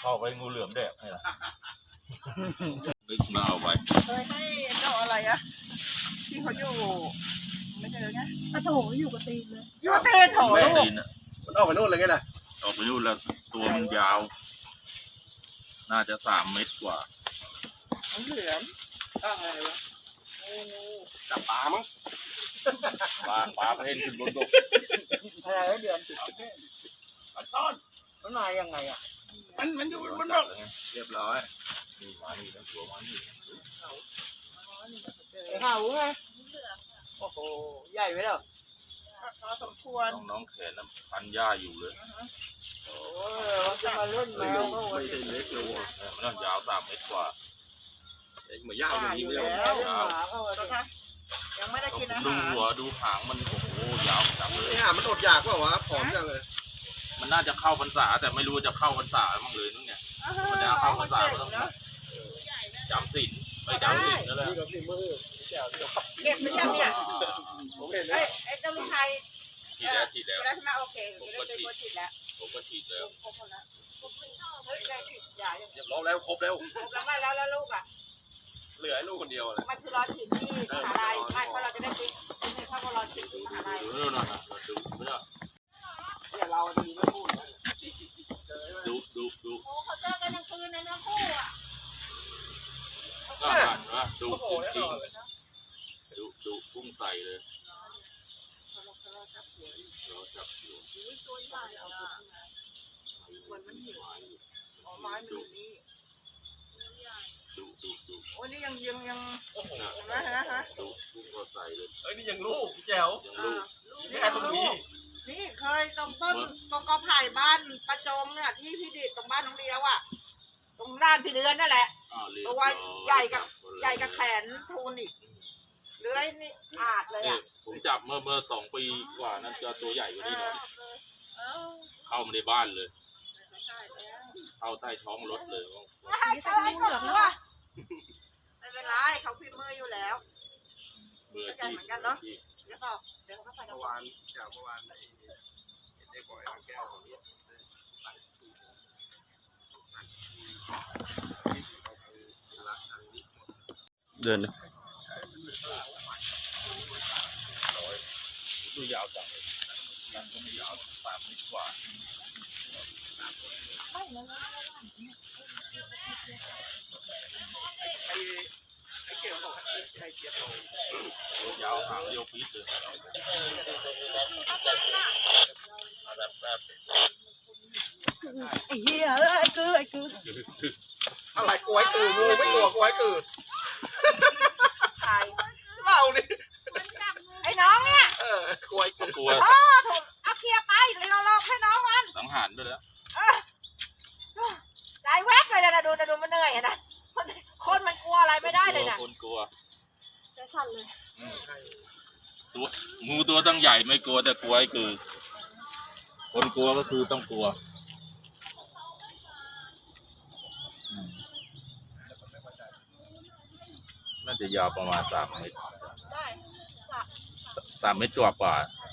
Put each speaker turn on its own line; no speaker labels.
เข้าไปงูเหลือมแดกนี่แหละนึกมาเอาไป
เคยให้เจ้าอะไรอะที่เขาอยู่ไม่เจอไง
โถอยู่กับตีนเลย
อยู่กับตีนโถลูก
มันออกไปนู่นเลยไงน่ะ
ออกไปนู่นแล้วตัวมันยาวน่าจะ3 เมตรกว่า
เหลือมอะไรวะ
จับปลามั้ง
ปลาเพ่นขึ้นบนบก
อะไรเดือนต้นมันมายังไงอ่ะมันอยู่บนบก
เรียบร้อย
นี่มานี่ทั้งตัวมานี่
เขาไงโอ้โหใหญ่ไหมล่ะพอสมควร
น้องแขนน้ำพันหญ้าอยู่เลย
โอ้ยจะมาเล่นแมวก็
ไม่ได้เล็กเลย
มันต้องยาว3 เมตรกว่า
เหมือนยาวอย่างนี้เลย
ยังไม่ได้กินอาหาร
ดูหัวดูหางมันโอ้โหยาวจังเลย
หางมันอดอยากว่าวะผอมจังเลย
มันน่าจะเข้าพรรษาแต่ไม่รู้จะเข้าพรรษาบ้างเลยนึกเนี่ยมันจะเข้าพรรษาก็ต้องจำศีลไปจำศีลนั่นแหละ
นี่กับนี่มือ
เก็บไม่ใช่เนี่ย
ผมเห็น
ไอ้เจ้าลูกชาย
ฉีดแล้ว
แล้วใช่ไหมโอเคผมก็ฉีดแล้วครบแล้วเฮ้ยได้ฉีดยาอย่างเดียว
แล้วครบแล้ว
แล้วลูกอ่ะ
เหลือลูกคนเดียวเลย
มันคือรอฉีดที่มหาลัยไม่เพราะเราจะได้ฉีดนี่ถ้าเราฉีดที่มหาลัย
ดู
เดี๋ยวเราดีไม่พูด
ดู
โอ้เขาเจอกันกลางคืนในเนื้อคู่อ่ะ
ดูจริงดูพุ่งใส่เลย
เราจับหัวตัวใหญ่มันหิวอ๋อไม้มันอยู่นี่
ดู
โอ้นี่ยัง
โอ้โห
นะ
ดูพุ่งก็ใส่เลย
นี่ยังลูกแจ๋วนี่แค่ตรงนี้
นี่เคยตรงต้นตรงกอไผ่บ้านประจงเนี่ยที่พี่ดิดตรงบ้านน้องเดียวอ่ะตรงด้านพี่เดือนนั่นแหละตัวใหญ่กับแขนทูนอีกเลื้อยนี่อาดเลยอ่ะ
ผมจับเมื่อ2 ปีกว่านั้นจะตัวใหญ่กว่านี้หน่อยเข้ามาในบ้านเลยเข้าใต้ท้องรถเลย
ไม่เป็นไรเขาพิมพ์มืออยู่แล้ว
มือ
ที่เหมือนกันเนาะเดี๋ยวเขาไป
เมื่อวานได้ก่อยแก้ว
เดินตัวยาวจังยังก็ไม่ยาว3 เมตรกว่า
ไอ้เกี่ยวกับไอ้เกี่ยวกับ
ยาวหางเดียวปี๊ดเลย
ไอ้เหี้ยไอ้คือ
อะไรกล้วยกืองูไม่กลัวกล้วยกือเล่าดิ
ไอ้น้องเนี่ย
กล้วยกื
อกลัว
ถูกเอาเคลียร์ไปเลยเราลองให้น้องมัน
สังหารด้วยแล้ว
ใจแวบเลยนะดูมันเหนื่อยนะคนมันกลัวอะไรไม่ได้เลยนะ
คนกลัว
จะสั่นเลย
ตัวงูตัวตั้งใหญ่ไม่กลัวแต่กลัวไอ้คือคนกลัวก็คือต้องกลัวน่าจะยาวประมาณ3 เมตร3 เมตรกว่า